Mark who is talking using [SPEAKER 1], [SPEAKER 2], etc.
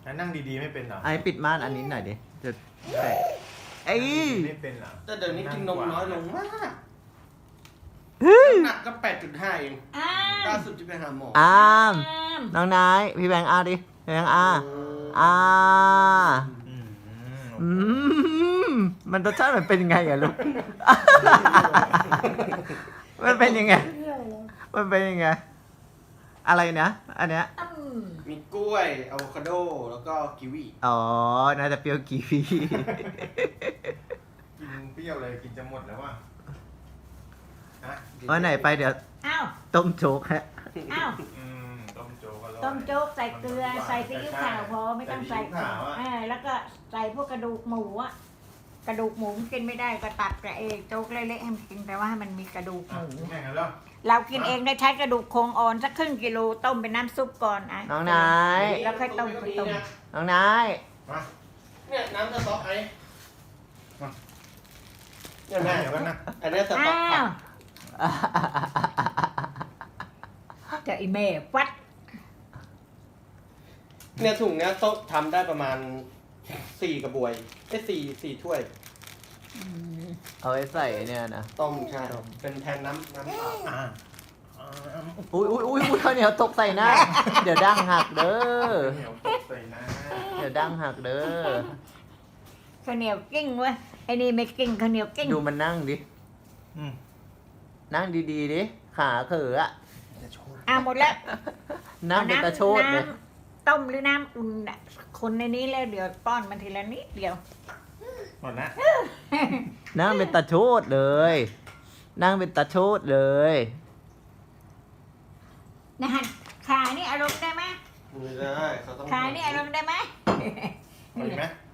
[SPEAKER 1] นั่งดีๆไม่เป็นเหรอ
[SPEAKER 2] ไอ้ปิดม่านอันนี้หน่อยดิจะแตะไอ้
[SPEAKER 1] ไม่เป็นเหรอ
[SPEAKER 3] แต่เดี๋ยวนี้กินนมน้อยลงมาก
[SPEAKER 2] เฮ้ย
[SPEAKER 3] น้ำหนักก็ 8.5 เอง
[SPEAKER 4] อ้า
[SPEAKER 3] ล่าว สุดที่ไปหาหมอ
[SPEAKER 2] อาม
[SPEAKER 4] อ้าม
[SPEAKER 2] น้องนายพี่แบงค์อาดิพี่แบงค์อาอา
[SPEAKER 1] อืม
[SPEAKER 2] อืมมันรสชาติมันเป็นยังไงอะลูก มันเป็นยังไง มันเป็นยังไง อะไรนะ อันเนี้ย
[SPEAKER 4] อืม
[SPEAKER 3] มีกล้วยอะโวคาโด แล้วก็กีวี
[SPEAKER 2] อ๋อ น่าจะเปรี้ยวกีวี
[SPEAKER 1] กินเปรี้ยวเลยกินจะหมดแล้วว่ะฮะ
[SPEAKER 2] วันไหนไปเดี๋ยว
[SPEAKER 4] อ้าว
[SPEAKER 2] ต้มโจ๊กฮะ
[SPEAKER 4] อ้าว
[SPEAKER 1] ต้มโจ๊กอร่อย
[SPEAKER 4] ต้มโจ๊กใส่เกลือใส่ซีอิ๊วขาวพอไม่ต้องใส่
[SPEAKER 1] ซีอิ๊วขาวอะ
[SPEAKER 4] แล้วก็ใส่พวกกระดูกหมูอะกระดูกหมูกินไม่ได้ก็ตัดกับโจ๊กเละๆให้มันกินแต่ว่าให้มันมีกระดูกห
[SPEAKER 1] อ่ะ
[SPEAKER 4] มู
[SPEAKER 1] แข่งกันแล้ว
[SPEAKER 4] เรากินเองได้ใช้กระดูกโครงอ่อนสักครึ่งกิโลต้มเป็นน้ำซุปก่อนอ่ะ
[SPEAKER 2] น้องนาย
[SPEAKER 4] แล้วค่อยต้ม
[SPEAKER 2] น้องนาย
[SPEAKER 1] มา
[SPEAKER 3] เนี่ยน้ำสต๊อกไอ้เนี่ย
[SPEAKER 1] แม่
[SPEAKER 3] แม่
[SPEAKER 1] เดี๋ยวกันนะ
[SPEAKER 3] อันนี้สต๊อก
[SPEAKER 4] อ้า
[SPEAKER 3] ผัก
[SPEAKER 4] วเจะอีเม่ฟัด
[SPEAKER 3] เนี่ยถุงเนี้ยโต๊ะทำได้ประมาณ4 กระบวย4 ถ้วย
[SPEAKER 2] เอาไว้ใส่เนี่ยนะ
[SPEAKER 3] ต้มใช่เป็นแทนน้ำเปล่า
[SPEAKER 1] อ่า
[SPEAKER 2] อุ้ยอุ้ยอุ้ยอุ้ยข้าวเหนียวตกใส่หน้า เดี๋ยวดั้งหักเด้อ
[SPEAKER 1] เหนียวตกใส่นะ
[SPEAKER 2] เดี๋ยวดั้งหักเด้อ
[SPEAKER 4] ข้าวเหนียวกิ้งเว้ยไอ้นี่ไม่กิ้งข้าวเหนียวกิ้ง
[SPEAKER 2] ดูมันนั่งดิ
[SPEAKER 1] อืม
[SPEAKER 2] นั่งดีๆดิ ขาเขออะ
[SPEAKER 4] หมดแล้ว
[SPEAKER 2] นั่งเป็นตะโชดเลย
[SPEAKER 4] น้ำต้มหรือน้ำอุ่นน่ะคนในนี้แล้วเดี๋ยวป้อนมันทีละนิดเดียว
[SPEAKER 1] หมดนะ
[SPEAKER 2] นั่งเป็นตะโชดเลย นั่งเป็นตะโชดเลย
[SPEAKER 4] นะฮะขานี่อารมณ์ได้ไหม
[SPEAKER 3] ไม่ได้เขาต้อง
[SPEAKER 4] ขานี่อารมณ์ได้ไหม
[SPEAKER 1] เอาอีกไหม